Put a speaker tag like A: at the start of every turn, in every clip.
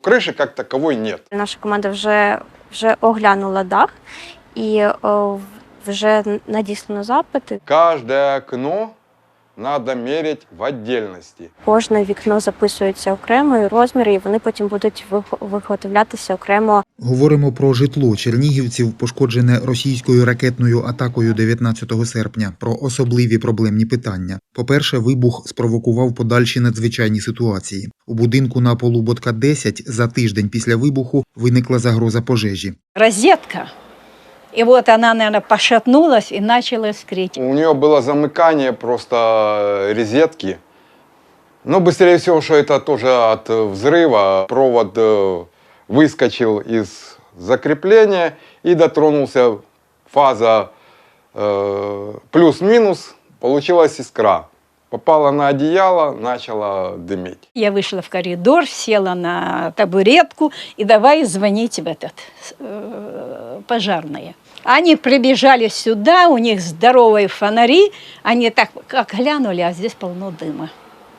A: Крыши как таковой нет.
B: Наша команда вже оглянула дах і вже надіслано запити.
A: Каждое окно надо мерить в отдельности.
B: Кожне вікно записується окремо, і розміри, і вони потім будуть виготовлятися окремо.
C: Говоримо про житло чернігівців, пошкоджене російською ракетною атакою 19 серпня, про особливі проблемні питання. По-перше, вибух спровокував подальші надзвичайні ситуації. У будинку на Полуботка 10 за тиждень після вибуху виникла загроза пожежі.
D: Розетка. И вот она, наверное, пошатнулась и начала искрить.
A: У нее было замыкание просто розетки. Но быстрее всего, что это тоже от взрыва. Провод выскочил из закрепления и дотронулся фаза плюс-минус. Получилась искра. Попала на одеяло, начала дымить.
D: Я вышла в коридор, села на табуретку и давай звонить в пожарные. Они прибежали сюда, у них здоровые фонари, они так как глянули, а здесь полно дыма.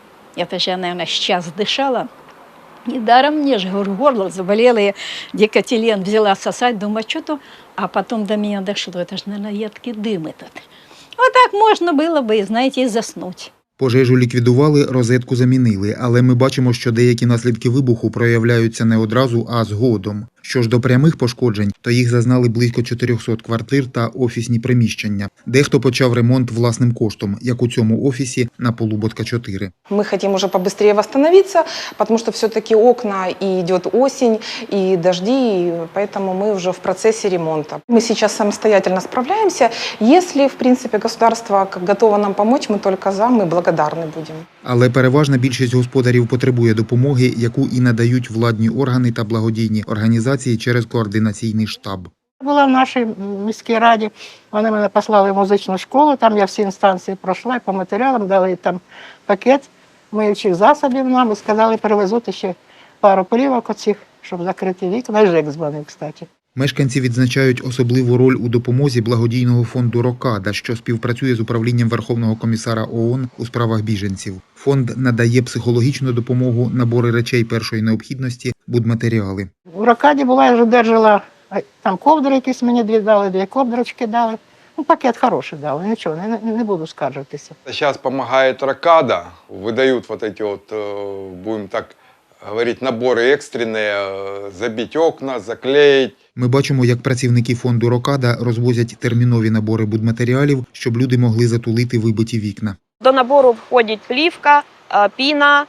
D: Это же я, наверное, сейчас дышала. Недаром мне же горло заболело, я декатилен взяла сосать, думаю, что то, а потом до меня дошло, это же, наверное, едкий дым этот. Вот так можно было бы, знаете, и заснуть.
C: Пожежу ліквідували, розетку замінили, але ми бачимо, що деякі наслідки вибуху проявляються не одразу, а згодом. Що ж до прямих пошкоджень, то їх зазнали близько 400 квартир та офісні приміщення. Дехто почав ремонт власним коштом, як у цьому офісі на Полуботка 4.
E: Мы хотим уже побыстрее восстановиться, потому что все-таки окна, и идет осень, и дожди, и поэтому мы уже в процессе ремонта. Мы сейчас самостоятельно справляемся. Если, в принципе, государство готово нам помочь, мы только за, мы благодарны будем.
C: Але переважна більшість господарів потребує допомоги, яку і надають владні органи та благодійні організації через координаційний штаб.
F: Була в нашій міській раді, вони мене послали в музичну школу, там я всі інстанції пройшла, і по матеріалам дали там пакет миючих засобів нам і сказали, перевезуть ще пару плівок оцих, щоб закрити вікна. І ЖЕК дзвонив, кстати.
C: Мешканці відзначають особливу роль у допомозі благодійного фонду «Рокада», що співпрацює з управлінням Верховного комісара ООН у справах біженців. Фонд надає психологічну допомогу, набори речей першої необхідності, будматеріали.
F: У «Рокаді» була, я вже держала, там ковдри якісь мені дали, 2 ковдрочки дали. Ну, пакет хороший дали, нічого, не буду скаржитися.
A: Сейчас помогает Рокада, выдают вот эти вот, будем так говорить, наборы экстренные, забить окна, заклеить.
C: Ми бачимо, як працівники фонду «Рокада» розвозять термінові набори будматеріалів, щоб люди могли затулити вибиті вікна.
G: До набору входять плівка, піна,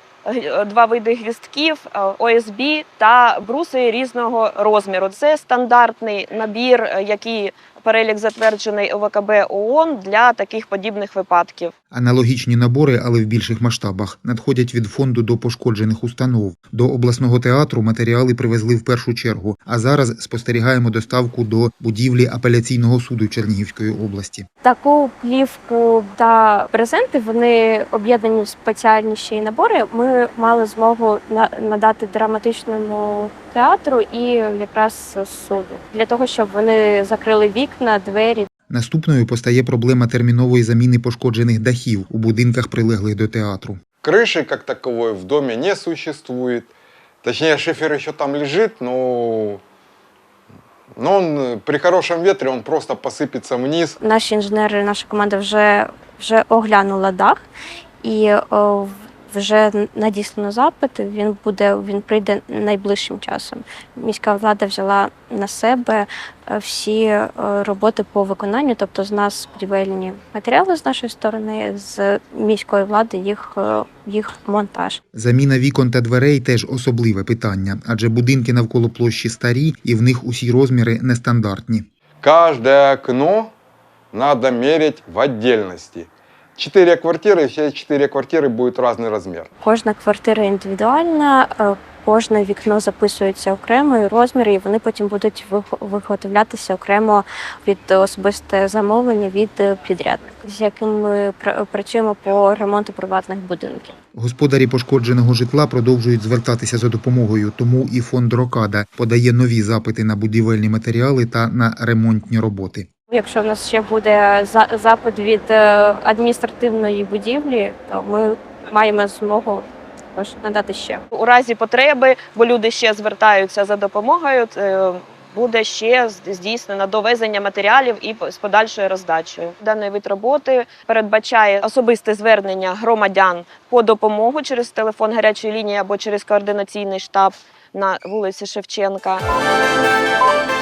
G: 2 види гвістків, ОСБ та бруси різного розміру. Це стандартний набір, який перелік затверджений ОВКБ ООН для таких подібних випадків.
C: Аналогічні набори, але в більших масштабах, надходять від фонду до пошкоджених установ. До обласного театру матеріали привезли в першу чергу, а зараз спостерігаємо доставку до будівлі апеляційного суду Чернігівської області.
B: Таку плівку та презенти, вони об'єднані в спеціальні ще й набори. Ми мали змогу надати драматичному театру і якраз суду, для того, щоб вони закрили вікна, двері.
C: Наступною постає проблема термінової заміни пошкоджених дахів у будинках, прилеглих до театру.
A: Крыши как таковой в доме не существует. Точнее, шифер еще там лежит, но он при хорошем ветре он просто посыпется вниз.
B: Наші інженери, наша команда вже оглянула дах і вже надіслано запити, він прийде найближчим часом. Міська влада взяла на себе всі роботи по виконанню, тобто з нас будівельні матеріали з нашої сторони, з міської влади їх монтаж.
C: Заміна вікон та дверей – теж особливе питання, адже будинки навколо площі старі і в них усі розміри нестандартні.
A: Каждое окно надо мерить в отдельности. 4 квартиры, все 4 квартиры будет разный размер.
B: Кожна квартира індивідуальна, кожне вікно записується окремо, і розміри, і вони потім будуть виготовлятися окремо від особисте замовлення від підрядника, з яким ми працюємо по ремонту приватних будинків.
C: Господарі пошкодженого житла продовжують звертатися за допомогою, тому і фонд «Рокада» подає нові запити на будівельні матеріали та на ремонтні роботи.
B: Якщо в нас ще буде запит від адміністративної будівлі, то ми маємо змогу також надати ще.
G: У разі потреби, бо люди ще звертаються за допомогою, буде ще здійснено довезення матеріалів і з подальшою роздачею. Даний вид роботи передбачає особисте звернення громадян по допомогу через телефон гарячої лінії або через координаційний штаб на вулиці Шевченка.